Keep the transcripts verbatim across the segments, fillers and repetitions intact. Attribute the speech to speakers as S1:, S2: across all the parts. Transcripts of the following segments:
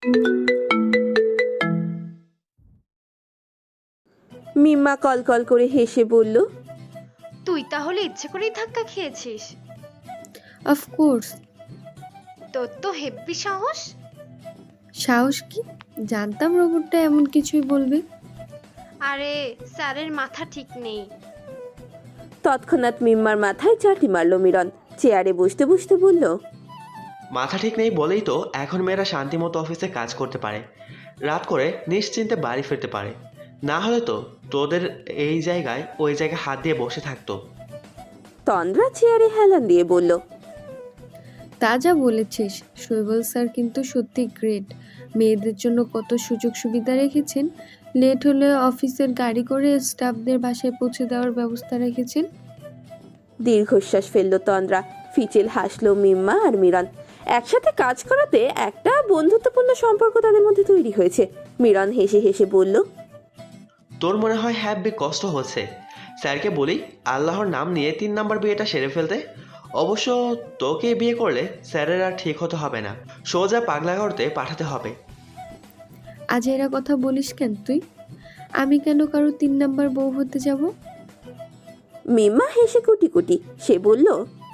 S1: মিম্মা call call করে হেসে বলল,
S2: তুই তাহলে ইচ্ছে করেই ধাক্কা খেয়েছিস?
S3: অফকোর্স।
S2: তোর তো হেব্বি সাহস।
S3: সাহস কি? জানতাম রোবটটা এমন কিছুই বলবে।
S2: আরে স্যারের মাথা ঠিক নেই।
S1: তৎক্ষণাৎ মিম্মার মাথায় চাটি মারল মিরন। চেয়ারে বসতে বসতে বলল,
S4: মাথা ঠিক নেই বলেই তো এখন মেয়েরা শান্তিমতো অফিসে কাজ করতে পারে, রাত করে নিশ্চিন্তে বাড়ি ফিরতে পারে। না হলে তো তোদের এই জায়গায় ওই জায়গায় হাত দিয়ে বসে থাকতো।
S1: তন্দ্রা চেয়ারে হেলান দিয়ে বলল,
S3: তা যা বলেছিস, শৈবাল স্যার কিন্তু সত্যি গ্রেট। মেয়েদের জন্য কত সুযোগ সুবিধা রেখেছেন। লেট হলে অফিসের গাড়ি করে স্টাফদের বাসায় পৌঁছে দেওয়ার ব্যবস্থা রেখেছেন।
S1: দীর্ঘশ্বাস ফেলল তন্দ্রা। ফিচেল হাসলো মিম্মা আর মিরন। একসাথে কাজ করাতে একটা বন্ধুত্বপূর্ণ সম্পর্ক তাদের মধ্যে তৈরি হয়েছে। মিরন হেসে হেসে বলল,
S4: তোর মনে হয় হ্যাপি কষ্ট হচ্ছে। স্যারকে বলি আল্লাহর নাম নিয়ে তিন নাম্বার বিয়েটা সেরে ফেলতে। অবশ্য তোকে বিয়ে করলে স্যারের আর ঠিক হতে হবে না, সোজা পাগলা করতে পাঠাতে হবে।
S3: আজ এরা কথা বলিস কেন তুই? আমি কেন কারো তিন নাম্বার বউ হতে যাব?
S1: মিম্মা হেসে কুটি কুটি। সে বলল,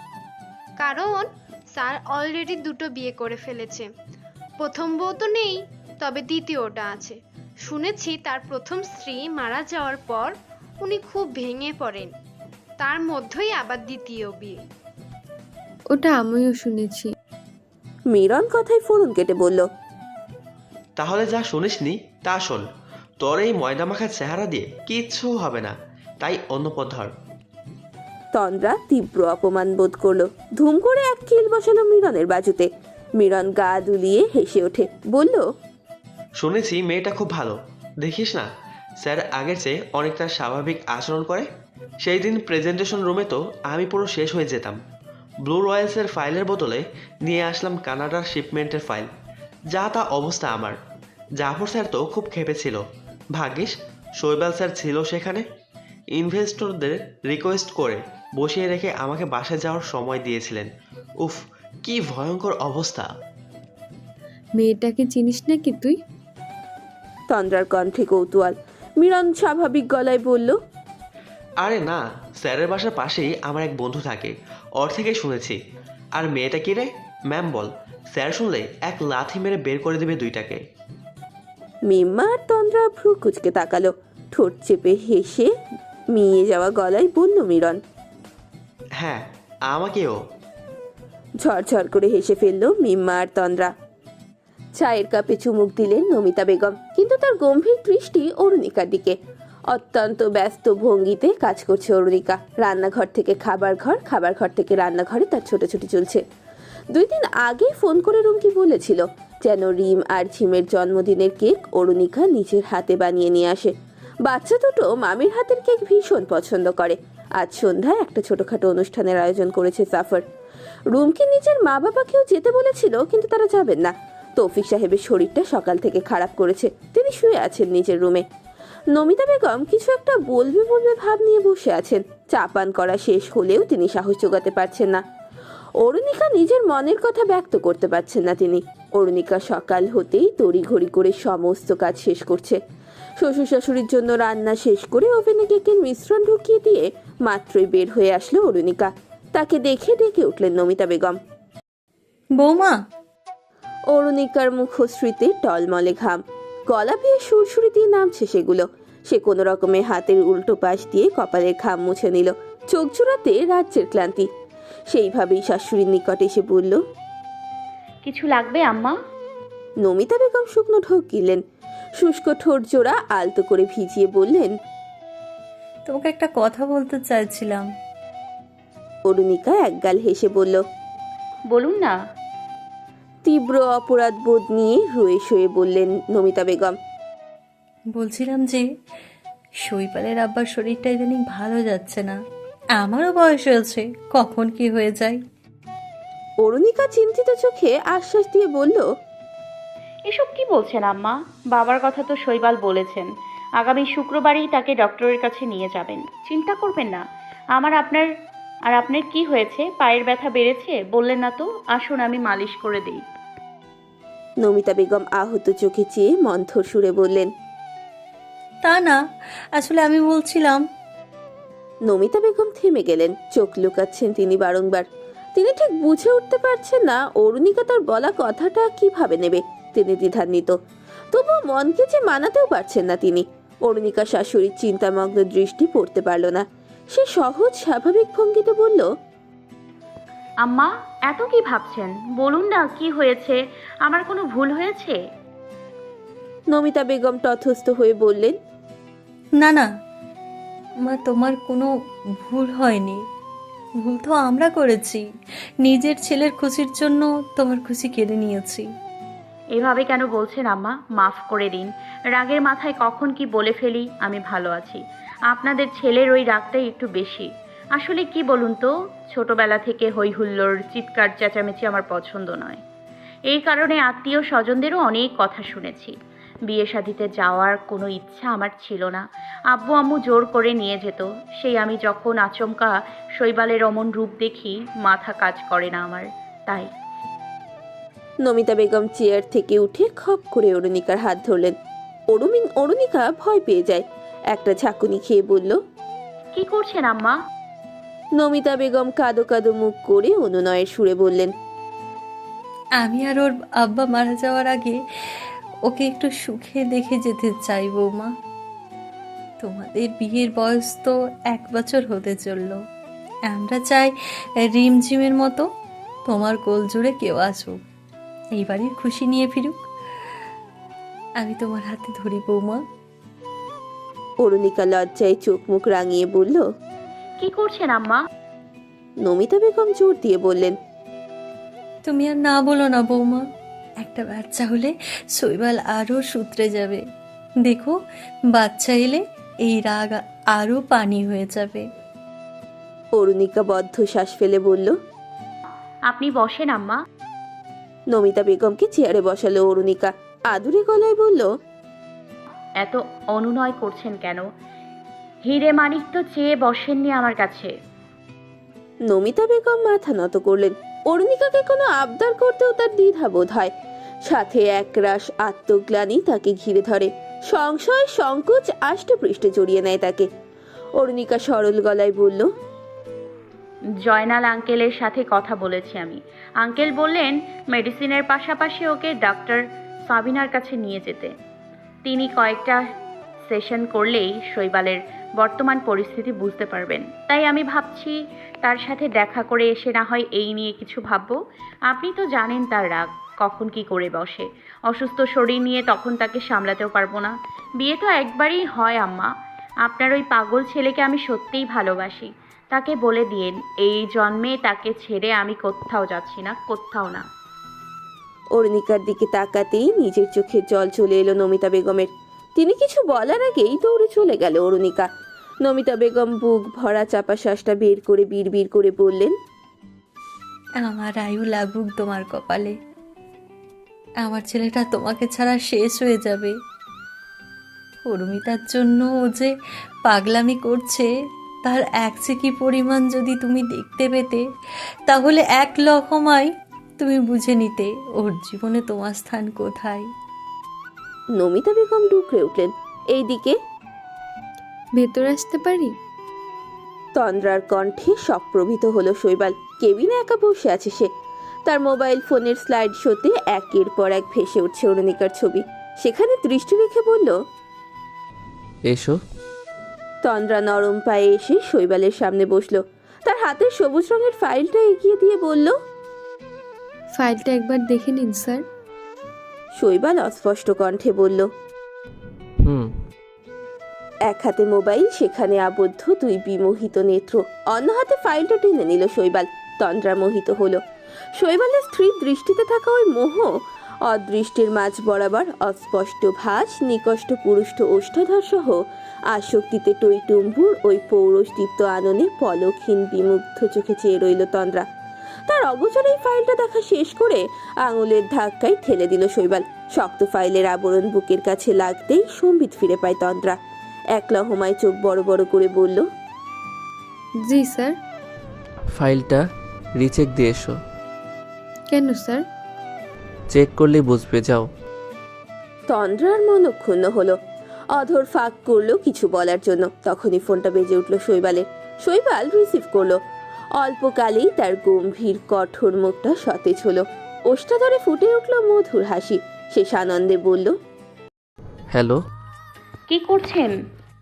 S2: কারণ স্যার অলরেডি দুটো বিয়ে করে ফেলেছে। প্রথম বউ তো নেই, তবে দ্বিতীয়টা আছে। শুনেছি তার প্রথম স্ত্রী মারা যাওয়ার পর উনি খুব ভেঙে পড়েন, তার মধ্যেই আবার দ্বিতীয় বিয়ে।
S3: ওটা আমিও শুনেছি।
S1: মিরন কথায় ফোড়ন কেটে বলল,
S4: তাহলে যা শুনিসনি তা শোন। তোর এই ময়দা মাখার চেহারা দিয়ে কিচ্ছু হবে না, তাই অন্য পথ ধর।
S1: তন্দ্রা তীব্র অপমান বোধ করলো। ধুম করে এক কিল বসালো মিরনের বাজুতে। মিরন গা দুলিয়ে হেসে ওঠে, বলল,
S4: শুনেছি মেয়েটা খুব ভালো, দেখিস না স্যার আগের চেয়ে অনেকটা স্বাভাবিক আচরণ করে। সেই দিন প্রেজেন্টেশন রুমে তো আমি পুরো শেষ হয়ে যেতাম। ব্লু রয়্যালসের ফাইলের বদলে নিয়ে আসলাম কানাডার শিপমেন্টের ফাইল। যা তা অবস্থা আমার। জাফর স্যার তো খুব খেপেছিল। ভাগ্যিস শৈবাল স্যার ছিল সেখানে। ইনভেস্টরদের রিকোয়েস্ট করে বসিয়ে রেখে আমাকে বাসায় যাওয়ার সময় দিয়েছিলেন। উফ, কি ভয়ঙ্কর অবস্থা।
S3: মেয়েটাকে চিনিস নাকি তুই?
S1: তন্দ্রার কণ্ঠে কৌতূহল। মিরন স্বাভাবিক গলায় বলল,
S4: আরে না, স্যারের বাসার পাশেই আমার এক বন্ধু থাকে, ওর থেকেই শুনেছি। আর মেয়েটা কি রে? ম্যাম বল, স্যার শুনলে এক লাথি মেরে বের করে দেবে দুইটাকে।
S1: মিম্মা আর তন্দ্রা ভ্রু কুচকে তাকালো। ঠোঁট চেপে হেসে মিয়ে যাওয়া গলায় বলল মিরন।
S4: হ্যাঁ, আমাকেও।
S1: ঝরঝর করে হেসে ফেলল মিম্মা আর তন্দ্রা। চায়ের কাপে চুমুক দিলেন নমিতা বেগম, কিন্তু তার গম্ভীর দৃষ্টি অরুণিকার দিকে। অত্যন্ত ব্যস্ত ভঙ্গিতে কাজ করছে অরুণিকা। রান্নাঘর থেকে খাবার ঘর, খাবার ঘর থেকে রান্নাঘরে তার ছোটাছুটি চলছে। দুই দিন আগে ফোন করে রুমকি বলেছিল যেন রিম আর ঝিমের জন্মদিনের কেক অরুণিকা নিজের হাতে বানিয়ে নিয়ে আসে। বাচ্চা দুটো মামির হাতের কেক ভীষণ পছন্দ করে। আজ সন্ধ্যায় একটা ছোটখাটো অনুষ্ঠানের আয়োজন করেছে সাফার। রুমকি নিজের মা বাবাকেও যেতে বলেছিল, কিন্তু তারা যাবেন না। তৌফিক সাহেবের শরীরটা সকাল থেকে খারাপ করেছে, তিনি শুয়ে আছেন নিজের রুমে। নমিতা বেগম কিছু একটা বলবে বলবে ভাব নিয়ে বসে আছেন। চা পান করা শেষ হলেও তিনি সাহস জোগাতে পারছেন না। অরুণিকা নিজের মনের কথা ব্যক্ত করতে পারছেন না তিনি। অরুণিকা সকাল হতেই তড়িঘড়ি করে সমস্ত কাজ শেষ করছে। শ্বশুর শাশুড়ির জন্য রান্না শেষ করে ওভেনে কেকের মিশ্রণ ঢুকিয়ে দিয়ে মাত্রই বের হয়ে আসলো অরুণিকা। তাকে দেখে ডেকে উঠলেন নমিতা বেগম।
S5: বৌমা।
S1: অরুণিকার মুখশ্রীতে টলমলে ঘাম, গলা বেয়ে সুরসুরি দিয়ে নামছে সেগুলো। সে কোনো রকমে হাতের উল্টো পাশ দিয়ে কপালের ঘাম মুছে নিল। চোখ জোড়াতে রাজ্যের ক্লান্তি। সেইভাবেই শাশুড়ির নিকট এসে বলল,
S5: কিছু লাগবে আম্মা?
S1: নমিতা বেগম শুকনো ঢোক গিলেন। শুষ্ক ঠোঁট জোড়া আলতো করে ভিজিয়ে বললেন,
S5: তোমাকে একটা কথা বলতে চাইছিলাম।
S1: অরুণিকা একগাল হেসে বলল,
S5: বলুন না।
S1: তীব্র অপরাধ বোধ নিয়ে রয়ে শয়ে বললেন নমিতা বেগম,
S5: বলছিলাম যে শৈবালের আব্বার শরীরটা ইদানিং ভালো যাচ্ছে না। আমারও বয়স হয়েছে, কখন কি হয়ে যায়।
S1: অরুণিকা চিন্তিত চোখে আশ্বাস দিয়ে বলল,
S6: এসব কি বলছেন আম্মা? বাবার কথা তো শৈবাল বলেছেন, আগামী শুক্রবারই তাকে ডক্টরের কাছে নিয়ে যাবেন। চিন্তা করবেন না। আমার আপনার আর আপনার কি হয়েছে? পায়ের ব্যথা বেড়েছে বললেন না তো? আসুন আমি মালিশ করে দিই।
S1: নমিতা বেগম আহত চোখে চেয়ে মন্থর সুরে বললেন।
S5: তা না, আসলে আমি বলছিলাম।
S1: নমিতা বেগম থেমে গেলেন, চোখ লুকাচ্ছেন তিনি বারংবার। তিনি ঠিক বুঝে উঠতে পারছেন না অরুণিকা তার বলা কথাটা কিভাবে নেবে। তিনি দ্বিধান্বিত, তবুও মনকে যে মানাতেও পারছেন না তিনি। অরুণিকা শাশুড়ির চিন্তামগ্ন দৃষ্টি পড়তে পারল না। সে সহজ স্বাভাবিক ভঙ্গিতে বলল,
S6: আম্মা, এত কি ভাবছেন? বলুন না, কি হয়েছে? আমার কোনো ভুল হয়েছে?
S1: নমিতা বেগম তথস্থ হয়ে বললেন,
S5: না না মা, তোমার কোনো ভুল হয়নি। ভুল তো আমরা করেছি। নিজের ছেলের খুশির জন্য তোমার খুশি কেড়ে নিয়েছি।
S6: এভাবে কেন বলছেন আম্মা? মাফ করে দিন। রাগের মাথায় কখন কি বলে ফেলি। আমি ভালো আছি। আপনাদের ছেলের ওই রাগটাই একটু বেশি। আসলে কি বলুন তো, ছোটবেলা থেকে হই হুল্লোড়, চিৎকার চেঁচামেচি আমার পছন্দ নয়। এই কারণে আত্মীয় স্বজনদেরও অনেক কথা শুনেছি। বিয়ে শাদিতে যাওয়ার কোনো ইচ্ছা আমার ছিল না। আব্বু আম্মু জোর করে নিয়ে যেত। সেই আমি যখন আচমকা শৈবালের অমন রূপ দেখি, মাথা কাজ করে না আমার। তাই
S1: নমিতা বেগম চেয়ার থেকে উঠে খপ করে অরুণিকার হাত ধরলেন। অরুমিন অরুণিকা ভয় পেয়ে যায়। একটা ঝাঁকুনি খেয়ে বলল,
S6: কি করছেন আম্মা?
S1: নমিতা বেগম কাদো কাদো মুখ করে অনুনয়ের সুরে বললেন,
S5: আমি আর ওর আব্বা মারা যাওয়ার আগে ওকে একটু সুখে দেখে যেতে চাই বৌমা। তোমাদের বিয়ের বয়স তো এক বছর হতে চললো। আমরা চাই রিমঝিমের মতো তোমার কোল জুড়ে কেউ আসুক, এই বাড়ির খুশি নিয়ে ফিরুক। আমি তোমার হাতে ধরি বৌমা।
S1: অরুণিকা লজ্জায় চোখ মুখ রাঙিয়ে বলল।
S6: কি করছেন আম্মা?
S1: নমিতা বেগম জোর দিয়ে বললেন,
S5: তুমি আর না বলো না বৌমা। একটা বাচ্চা হলে শৈবাল আরও সূত্রে যাবে। দেখো, বাচ্চা এলে এই রাগ আরও পানি হয়ে যাবে।
S1: অরুণিকা বদ্ধ শ্বাস ফেলে বলল।
S6: আপনি বসেন আম্মা।
S1: নমিতা বেগমকে চেয়ারে বসালো অরুণিকা। আদুরে গলায় বলল,
S6: এত অনুনয় করছেন কেন? হিরে মানিক তো চেয়ে বসেননি আমার কাছে।
S1: নমিতা বেগম মাথা নত করলেন। অরুণিকাকে কোনো আবদার করতেও তার দ্বিধা বোধ হয়, সাথে একরাশ আত্মগ্লানি তাকে ঘিরে ধরে। সংশয় সংকোচ আষ্টে পৃষ্ঠে জড়িয়ে নেয় তাকে। অরুণিকা সরল গলায় বলল,
S6: জয়নাল আঙ্কেলের সাথে কথা বলেছি আমি। আঙ্কেল বললেন মেডিসিনের পাশাপাশি ওকে ডাক্তার সাবিনার কাছে নিয়ে যেতে। তিনি কয়েকটা সেশন করলেই শৈবালের বর্তমান পরিস্থিতি বুঝতে পারবেন। তাই আমি ভাবছি তার সাথে দেখা করে এসে না হয় এই নিয়ে কিছু ভাববো। আপনি তো জানেন তার রাগ কখন কি করে বসে। অসুস্থ শরীর নিয়ে তখন তাকে সামলাতেও পারবো না। বিয়ে তো একবারই হয় আম্মা। আপনার ওই পাগল ছেলেকে আমি সত্যিই ভালোবাসি। তাকে বলে দিন এই জন্মে তাকে ছেড়ে আমি কোথাও যাচ্ছি না, কোথাও না।
S1: অরুণিকার দিকে তাকাতেই নিজের চোখে জল চলে এলো নমিতা বেগমের। তিনি কিছু বলার আগেই দৌড়ে চলে গেল অরুণিকা। নমিতা বেগম বুক ভরা চাপা শ্বাসটা বের করে বিড়বিড় করে বললেন,
S5: আমার আয়ু লাগুক তোমার কপালে। আমার ছেলেটা তোমাকে ছাড়া শেষ হয়ে যাবে। উর্মিতার জন্য ও যে পাগলামি করছে তার এক চিকি পরিমাণ যদি তুমি দেখতে পেতে, তাহলে এক লহমায় তুমি বুঝে নিতে ওর জীবনে তোমার স্থান কোথায়।
S1: নমিতা বেগম ডুকরে উঠলেন। এইদিকে
S3: ভেতর আসতে পারি?
S1: তন্দ্রার কণ্ঠে সপ্রভিত হলো শৈবাল। কেবিনে একা বসে আছে সে। তার মোবাইল ফোনের স্লাইড শোতে একের পর এক ভেসে উঠছে অরুণিকার ছবি। সেখানে দৃষ্টি রেখে বলল,
S7: এসো।
S1: তন্দ্রা নরম পায়ে এসে শৈবালের সামনে বসলো। তার হাতের সবুজ রঙের ফাইলটা এগিয়ে দিয়ে বলল,
S3: ফাইলটা একবার দেখে নিন স্যার।
S1: শৈবাল অস্পষ্ট কণ্ঠে বলল,
S7: হুম।
S1: এক হাতে মোবাইল, সেখানে আবদ্ধ দুই বিমোহিত নেত্র। অন্য হাতে ফাইলটা টেনে নিল শৈবাল। তন্দ্রা মোহিত হলো। শৈবালের স্ত্রীর দৃষ্টিতে থাকা ওই মোহ, অদৃষ্টির মাঝ বরাবর অস্পষ্ট ভাস, নিকষ্ট পুরুষ্ট ওষ্ঠাধর সহ আসক্তিতে টইটুম্বুর ওই পৌরষদীপ্ত আননে পলকহীন বিমুগ্ধ চোখে চেয়ে রইল তন্দ্রা। তার অগোচর এই ফাইলটা দেখা শেষ করে আঙুলের ধাক্কায় ঠেলে দিল শৈবাল। শক্ত ফাইলের আবরণ বুকের কাছে লাগতেই সম্বিত ফিরে পায় তন্দ্রা। এক লহমায় চোখ বড় বড় করে বলল,
S3: জি স্যার।
S7: ফাইলটা রিচেক দিয়ে এসো।
S3: কেন স্যার?
S7: চেক করলেই বুঝবে, যাও।
S1: তন্দ্রার মনক্ষুণ্ণ হলো। অধর ফাঁক করলো কিছু বলার জন্য, তখনই ফোনটা বেজে উঠল শৈবালের। শৈবাল রিসিভ করলো। অল্পকালেই তার গম্ভীর কঠোর মুখটা সতেজ হলো। ওষ্ঠা ধরে ফুটে উঠল মধুর হাসি। সে সানন্দে বলল,
S7: হ্যালো।
S6: কি করছেন?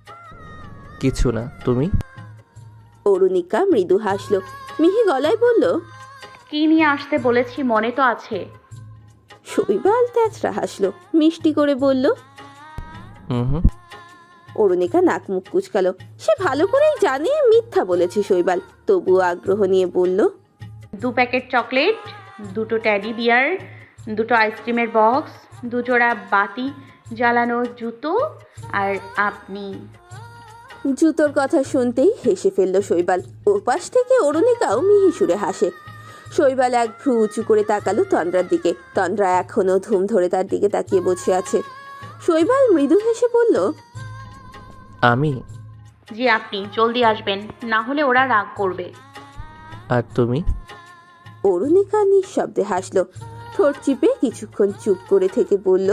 S7: কিছু না, তুমি?
S1: অরুণিকা মৃদু হাসলো, মিহি গলায় বলল,
S6: কি নিয়ে আসতে বলেছি মনে তো আছে?
S1: শৈবাল তেচরা হাসলো, মিষ্টি করে বলল।
S7: হুম হুম।
S1: অরুণিকা নাক মুখ কুচকালো। সে ভালো করেই জানে মিথ্যা বলেছে শৈবাল, তবুও আগ্রহ নিয়ে বলল,
S6: দু প্যাকেট চকলেট, দুটো ট্যাডি বিয়ার, দুটো আইসক্রিমের বক্স, দুজোড়া বাতি জ্বালানো জুতো, আর আপনি।
S1: জুতোর কথা শুনতেই হেসে ফেলল শৈবাল। ওপাশ থেকে অরুণিকাও মিহি সুরে হাসে। শৈবাল এক ভ্রু উঁচু করে তাকালো তন্দ্রার দিকে। তন্দ্রা এখনো ধুম ধরে তার দিকে তাকিয়ে বসে আছে। শৈবাল মৃদু হেসে বলল,
S7: আমি?
S6: জি আপনি, জলদি আসবেন, না হলে ওরা রাগ করবে।
S7: আর তুমি?
S1: অরুণিকা নিঃশব্দে হাসলো, ঠোঁট চিপে কিছুক্ষণ চুপ করে থেকে বলল,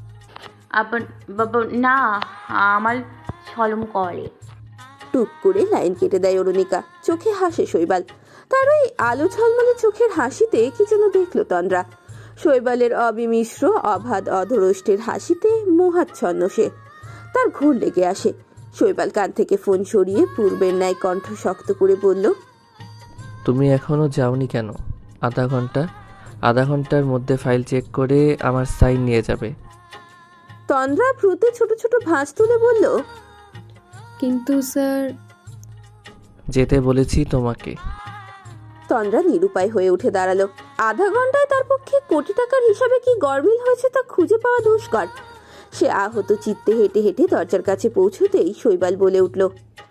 S6: আব- বাব- না, আমার ছলম করে।
S1: টুক করে লাইন কেটে দেয় অরুণিকা। চোখে হাসে শৈবাল। তার ওই আলো ঝলমলে চোখের হাসিতে কি যেন দেখলো তন্দ্রা। শৈবালের অবিমিশ্র অবাধ অধরষ্টের হাসিতে মোহাচ্ছন্ন সে। তার ঘোর লেগে আসে। শৈবাল কান থেকে ফোন সরিয়ে পূর্বের ন্যায় কণ্ঠ শক্ত করে বলল,
S7: তুমি এখনো যাওনি কেন? আধা ঘন্টা আধা ঘন্টার মধ্যে ফাইল চেক করে আমার সাইন নিয়ে যাবে।
S1: তন্দ্রা ভ্রুতে ছোট ছোট ভাঁজ তুলে বলল,
S3: কিন্তু স্যার।
S7: যেতে বলেছি তোমাকে।
S1: তন্দ্রা নিরুপায় হয়ে উঠে দাঁড়ালো। আধা ঘন্টায় তার পক্ষে কোটি টাকার হিসাবে কি গরমিল হয়েছে তা খুঁজে পাওয়া দুষ্কর। সে আহত চিত্তে হেঁটে হেঁটে দরজার কাছে পৌঁছতেই শৈবাল বলে উঠল,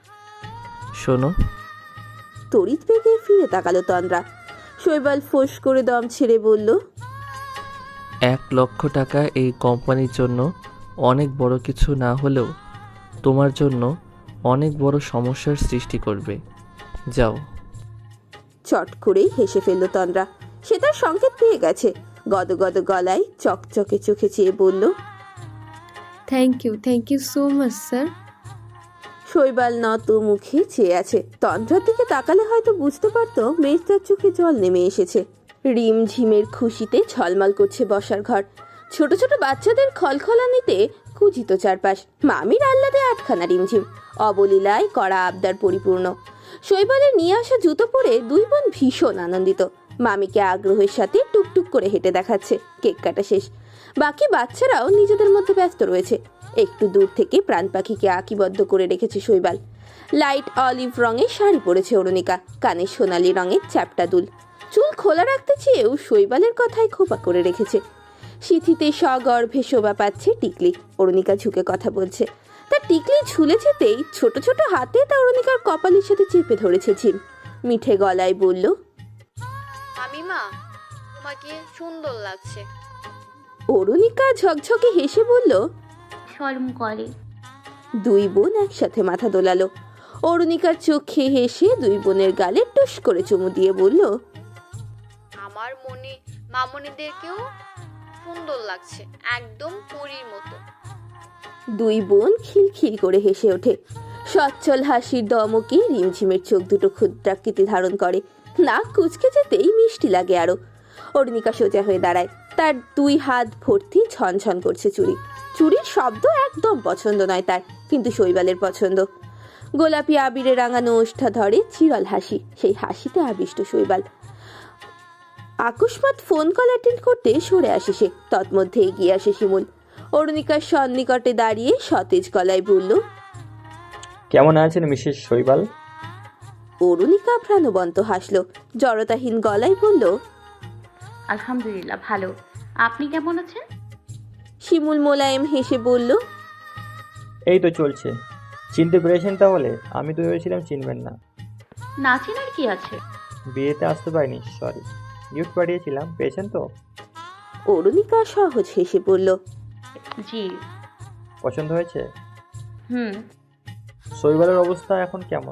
S7: শোনো।
S1: তড়িৎ বেগে ফিরে তাকালো তন্দ্রা। শৈবাল ফোঁস করে দম ছেড়ে বলল,
S7: এক লক্ষ টাকা এই কোম্পানির জন্য অনেক বড় কিছু না হলেও তোমার জন্য অনেক বড় সমস্যার সৃষ্টি করবে, যাও।
S1: চট করেই হেসে ফেলল তন্দ্রা। সে তার সংকেত পেয়ে গেছে। গদগদ গলায় চকচকে চোখে চেয়ে বলল,
S3: thank you thank you so much sir.
S1: Shaibal নত মুখে চেয়ে আছে। তন্দ্রার দিকে তাকালে হয়তো বুঝতে পারতো মেজদার চোখে জল নেমে এসেছে। রিম ঝিমের খুশিতে ঝলমল করছে বসার ঘর। ছোট ছোট বাচ্চাদের খলখলানিতে কুজিত চারপাশ। মামির আহ্লাদে আটখানা রিমঝিম, অবলীলায় কড়া আবদার পরিপূর্ণ। শৈবালের নিয়ে আসা জুতো পরে দুই বোন ভীষণ আনন্দিত। মামিকে আগ্রহের সাথে টুকটুক করে হেঁটে দেখাচ্ছে। কেক কাটা শেষ। বাকি বাচ্চারাও নিজেদের মধ্যে ব্যস্ত রয়েছে। একটু দূর থেকে প্রাণ পাখিকে আঁকিবদ্ধ করে রেখেছে শৈবাল। লাইট অলিভ রঙের শাড়ি পরেছে অরুণিকা, কানে সোনালি রঙের চ্যাপটা দুল। চুল খোলা রাখতে চেয়েও শৈবালের কথায় খোপা করে রেখেছে। সিথিতে সগর্ভে শোভা পাচ্ছে টিকলি। অরুণিকা ঝুঁকে কথা বলছে। তার টিকলি ঝুলে যেতেই ছোট ছোট হাতে তা অরুণিকার কপালের সাথে চেপে ধরেছে ঝিম। মিঠে গলায় বলল,
S8: মামিমা, তোমাকে সুন্দর লাগছে।
S1: অরুণিকা ঝকঝকে হেসে বলল,
S6: ছলম করে।
S1: দুই বোন একসাথে মাথা দোলালো। অরুণিকার চোখে হেসে দুই বোনের গালে টুস করে চুমু দিয়ে বলল,
S8: আমার মনে মামনিদেরকেও সুন্দর লাগছে, একদম পরীর মতো।
S1: দুই বোন খিলখিল করে হেসে ওঠে। সচ্ছল হাসির দমকে রিমঝিমের চোখ দুটো ক্ষুদ্রাকৃতি ধারণ করে। নাক কুচকে যেতেই মিষ্টি লাগে আরো। অরুণিকা সোজা হয়ে দাঁড়ায়। তার দুই হাত ভর্তি ঝনঝন করছে চুড়ি। চুড়ির শব্দ একদম পছন্দ নয় তার, কিন্তু শৈবালের পছন্দ। গোলাপি আবিরে রাঙানো ওষ্ঠা ধরে চিরল হাসি। সেই হাসিতে আবিষ্ট শৈবাল। আকস্মাৎ ফোন কল অ্যাটেন্ড করতে সরে আসে সে। তৎমধ্যে এগিয়ে আসে শিমুল। অরুণিকার সন্নিকটে দাঁড়িয়ে সতেজ গলায় বলল,
S9: কেমন আছেন মিসেস শৈবাল?
S1: অরুণিকা প্রাণবন্ত হাসলো। জড়তাহীন গলায় বলল,
S6: আলহামদুলিল্লাহ ভালো, আপনি কেমন আছেন?
S1: শিমুল মোলায়েম হেসে বলল,
S9: এই তো চলছে। চিনতে পেরেছেন তাহলে? আমি তো ভেবেছিলাম চিনবেন না।
S6: না চেনার কি আছে?
S9: বিয়েতে আসতে পারিনি, সরি। গিফট পাঠিয়েছিলাম, পেয়েছেন তো?
S1: অরুণিকা সহজ হেসে বলল,
S6: জি।
S9: পছন্দ হয়েছে?
S6: হুম।
S9: শৈবালের অবস্থা এখন কেমন?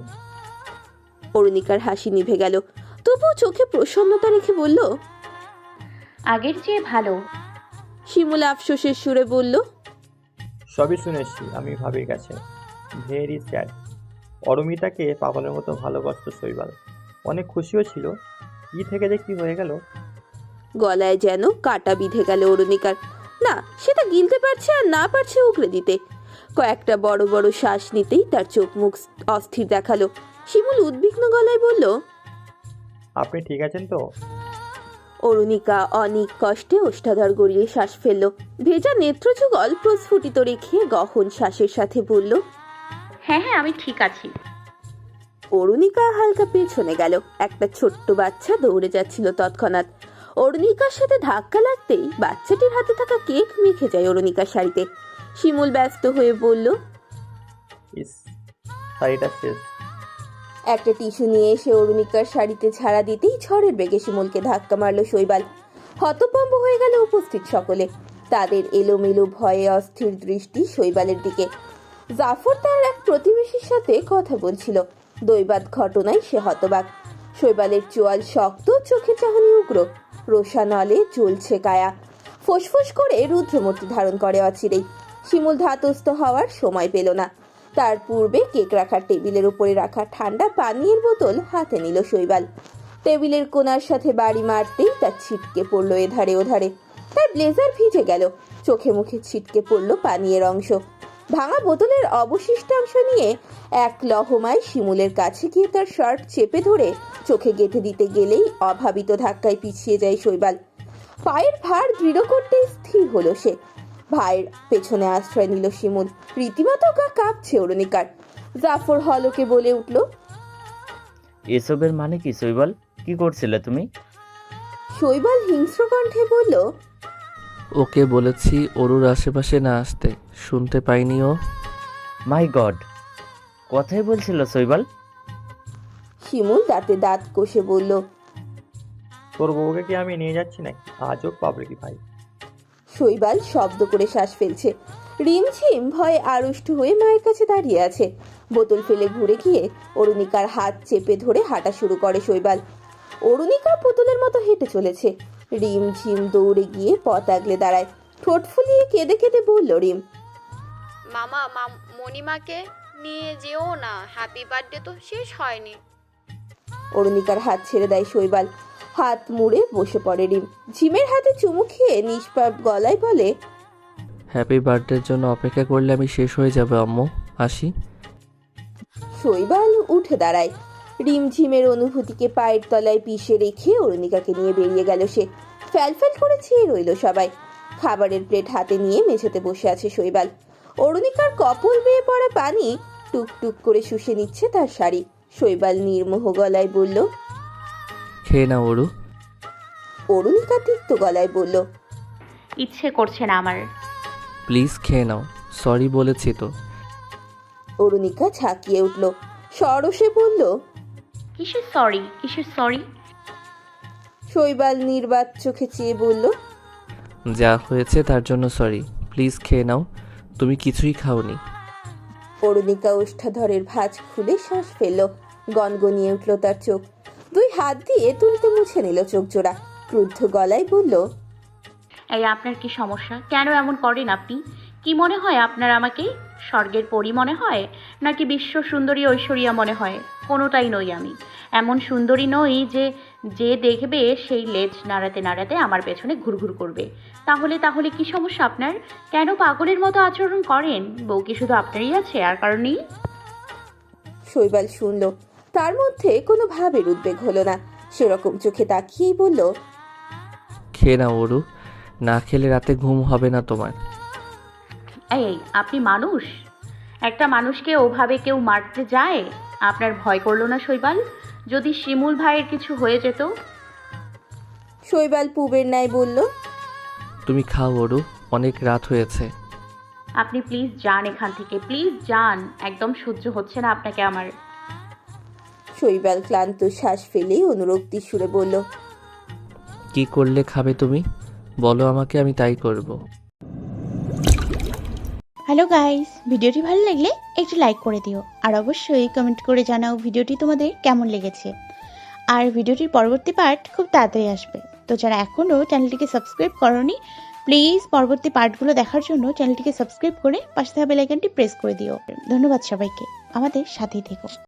S1: অরুণিকার হাসি নিভে গেল, তবুও চোখে প্রসন্নতা রেখে বলল,
S6: আগের চেয়ে ভালো।
S1: শিমুল আফসোসের সুরে বলল,
S9: সবই শুনেছি আমি ভাবির কাছে। Very sad. অরুমিতাকে পাগলের মতো ভালোবাসত শৈবাল। অনেক খুশিও ছিল। কি থেকে যে কি হয়ে গেল।
S1: গলায় যেন কাটা বিঁধে গেল অরুণিকার। না, সেটা গিলতে পারছে আর না পারছে উগরে দিতে। কয়েকটা বড় বড় শ্বাস নিতেই তার চোখ মুখ অস্থির দেখালো। শিমুল উদ্বিগ্ন গলায় বলল,
S9: আপনি ঠিক আছেন তো?
S1: অরুণিকা অনেক কষ্টে ওষ্ঠাধর গড়িয়ে শ্বাস ফেলল। ভেজা নেত্রযুগল প্রস্ফুটিত রেখে গহন শ্বাসের সাথে বলল,
S6: হ্যাঁ হ্যাঁ আমি ঠিক আছি।
S1: অরুণিকা হালকা পেছনে গেল। একটা ছোট্ট বাচ্চা দৌড়ে যাচ্ছিল তৎক্ষণাৎ। অরুণিকার সাথে ধাক্কা লাগতেই বাচ্চাটির হাতে থাকা কেক মেখে যায় অরুণিকার শাড়িতে। শিমুল ব্যস্ত হয়ে বলল,
S9: ইস, শাড়িটা শেষ।
S1: একটা টিস্যু নিয়ে এসে অরুণিকার শাড়িতে ঝাড়া দিতেই ঝড়ের বেগে শিমুলকে ধাক্কা মারল শৈবাল। হতভম্ব হয়ে গেল উপস্থিত সকলে। তাদের এলোমেলো ভয়ে অস্থির দৃষ্টি শৈবালের দিকে। জাফর তার এক প্রতিবেশীর সাথে কথা বলছিল। দৈবাত ঘটনায় সে হতবাক। শৈবালের চোয়াল শক্ত, চোখের চাহনি উগ্র। রোশানলে জ্বলছে কায়া। ফোঁসফোঁস করে রুদ্রমূর্তি ধারণ করে অচিরেই। শিমুল ধাতস্থ হওয়ার সময় পেল না। তার পূর্বে কেক রাখার টেবিলের উপরে রাখা ঠান্ডা পানীয়ের বোতল হাতে নিল শৈবাল। টেবিলের কোণার সাথে বাড়ি মারতেই তার ছিটকে পড়ল এধারে ওধারে। তার ব্লেজার ভিজে গেল। চোখে মুখে ছিটকে পড়ল পানীয়ের অংশ। ভাঙা বোতলের অবশিষ্টাংশ নিয়ে এক লহমায় শিমুলের কাছে গিয়ে তার শার্ট চেপে ধরে চোখে গেঁথে দিতে গেলেই অভাবিত ধাক্কায় পিছিয়ে যায় শৈবাল। পায়ের ভার দৃঢ় করতে স্থির হলো সে। ভাইয়ের পেছনে আশ্রয় নিল শিমুল। রীতিমতো গা কাঁপছে অরুণিকার। জাফর হলকে বলে উঠল,
S10: এসবের মানে কি শৈবাল? কি করছিলে তুমি?
S1: শৈবাল হিংস্র কণ্ঠে বলল,
S7: ওকে বলেছি ওরুর আশেপাশে না আসতে, শুনতে পাইনি ও।
S10: মাই গড, কথাই বলছিল শৈবাল?
S1: শিমুল দাঁতে দাঁত কষে বলল,
S9: তোর বউকে কি আমি নিয়ে যাচ্ছি নাকি? আজব পাবলিক ভাই।
S1: শৈবাল শব্দ করে শ্বাস ফেলছে। রিমঝিম ভয়ে আড়ষ্ট হয়ে মায়ের কাছে দাঁড়িয়ে আছে। বোতল ফেলে ঘুরে গিয়ে অরুণিকার হাত চেপে ধরে হাঁটা শুরু করে শৈবাল। অরুণিকা পুতুলের মতো হেঁটে চলেছে। রিমঝিম দৌড়ে গিয়ে পথ আগলে দাঁড়ায়। ঠোঁট ফুলিয়ে কেঁদে কেঁদে বলল রিম,
S8: মামা মাম- মণিমাকে নিয়ে যেও না, হ্যাপি বার্থডে তো শেষ হয়নি।
S1: অরুণিকার হাত ছেড়ে দেয় শৈবাল। হাত মুড়ে বসে পড়ে রিম। ঝিমের হাতে চুমু খেয়ে নিষ্পাপ গলায় বলে,
S7: হ্যাপি বার্থডের জন্য অপেক্ষা করলে আমি শেষ হয়ে যাবে আম্মু, আসি।
S1: শৈবাল উঠে দাঁড়ায়। রিমঝিমের অনুভূতিকে পায়ের তলায় পিষে রেখে অরুণিকাকে নিয়ে বেরিয়ে গেল সে। ফ্যালফ্যাল করে চেয়ে রইল সবাই। খাবারের প্লেট হাতে নিয়ে মেঝেতে বসে আছে শৈবাল। অরুণিকার কপল বেয়ে পড়া পানি টুকটুক করে শুষে নিচ্ছে তার শাড়ি। শৈবাল নির্মোহ গলায় বলল,
S7: খেয়ে না ওরু।
S1: অরুণিকা তিক্ত গলায় বলল,
S6: ইচ্ছে করছে না আমার।
S7: প্লিজ খেয়ে নাও, সরি বলেছি তো।
S1: অরুণিকা ঝাঁকিয়ে উঠল। সরসে বলল,
S6: কিসের সরি, কিসের সরি?
S1: শৈবাল নির্বাক চোখে চেয়ে বলল,
S7: যা হয়েছে তার জন্য সরি, প্লিজ খেয়ে নাও, তুমি কিছুই খাওনি।
S1: অরুণিকা ওষ্ঠাধরের ভাঁজ খুলে শ্বাস ফেলল। গনগনিয়ে উঠল তার চোখ। দুই হাত দিয়ে তুলতে মুছে নিল চোখ জোড়া। ক্রুদ্ধ গলায় বলল,
S6: এই আপনার কি সমস্যা? কেন এমন করেন আপনি? কি মনে হয় আপনার আমাকে? স্বর্গের পরী মনে হয় নাকি বিশ্ব সুন্দরী ঐশ্বরিয়া মনে হয়? কোনোটাই নই আমি। এমন সুন্দরী নই যে যে দেখবে সেই লেজ নাড়াতে নাড়াতে আমার পেছনে ঘুরঘুর করবে। তাহলে তাহলে কি সমস্যা আপনার? কেন পাগলের মতো আচরণ করেন? বউ কি শুধু আপনারই আছে, আর কারণ নেই?
S1: শৈবাল শুনল। তার মধ্যে কোনো ভাবের উদ্বেগ হলো না। সেরকম চোখে তাকিয়েই বলল,
S7: খেয়ে নাও ওরু, না খেলে রাতে ঘুম হবে না তোমার।
S6: এই আপনি মানুষ? একটা মানুষকে ওভাবে কেউ মারতে যায়? আপনার ভয় করলো না শৈবাল? যদি শিমুল ভাইয়ের কিছু হয়ে যেত?
S1: শৈবাল পুবের ন্যায় বলল,
S7: তুমি খাও ওরু, অনেক রাত হয়েছে।
S6: আপনি প্লিজ যান এখান থেকে, প্লিজ যান। একদম সহ্য হচ্ছে না আপনাকে আমার।
S1: শৈবাল ক্লান্ত শ্বাস ফেলে অনুরক্তি সুরে বলল,
S7: কি করলে খাবে তুমি বলো আমাকে, আমি তাই করব।
S11: হ্যালো গাইস, ভিডিওটি ভালো লাগলে একটু লাইক করে দিও আর অবশ্যই কমেন্ট করে জানাও ভিডিওটি তোমাদের কেমন লেগেছে। আর ভিডিওটির পরবর্তী পার্ট খুব তাড়াতাড়ি আসবে। তো যারা এখনও চ্যানেলটিকে সাবস্ক্রাইব করনি প্লিজ পরবর্তী পার্টগুলো দেখার জন্য চ্যানেলটিকে সাবস্ক্রাইব করে পাশে থাকা বেল আইকনটি প্রেস করে দিও। ধন্যবাদ সবাইকে, আমাদের সাথেই থেকো।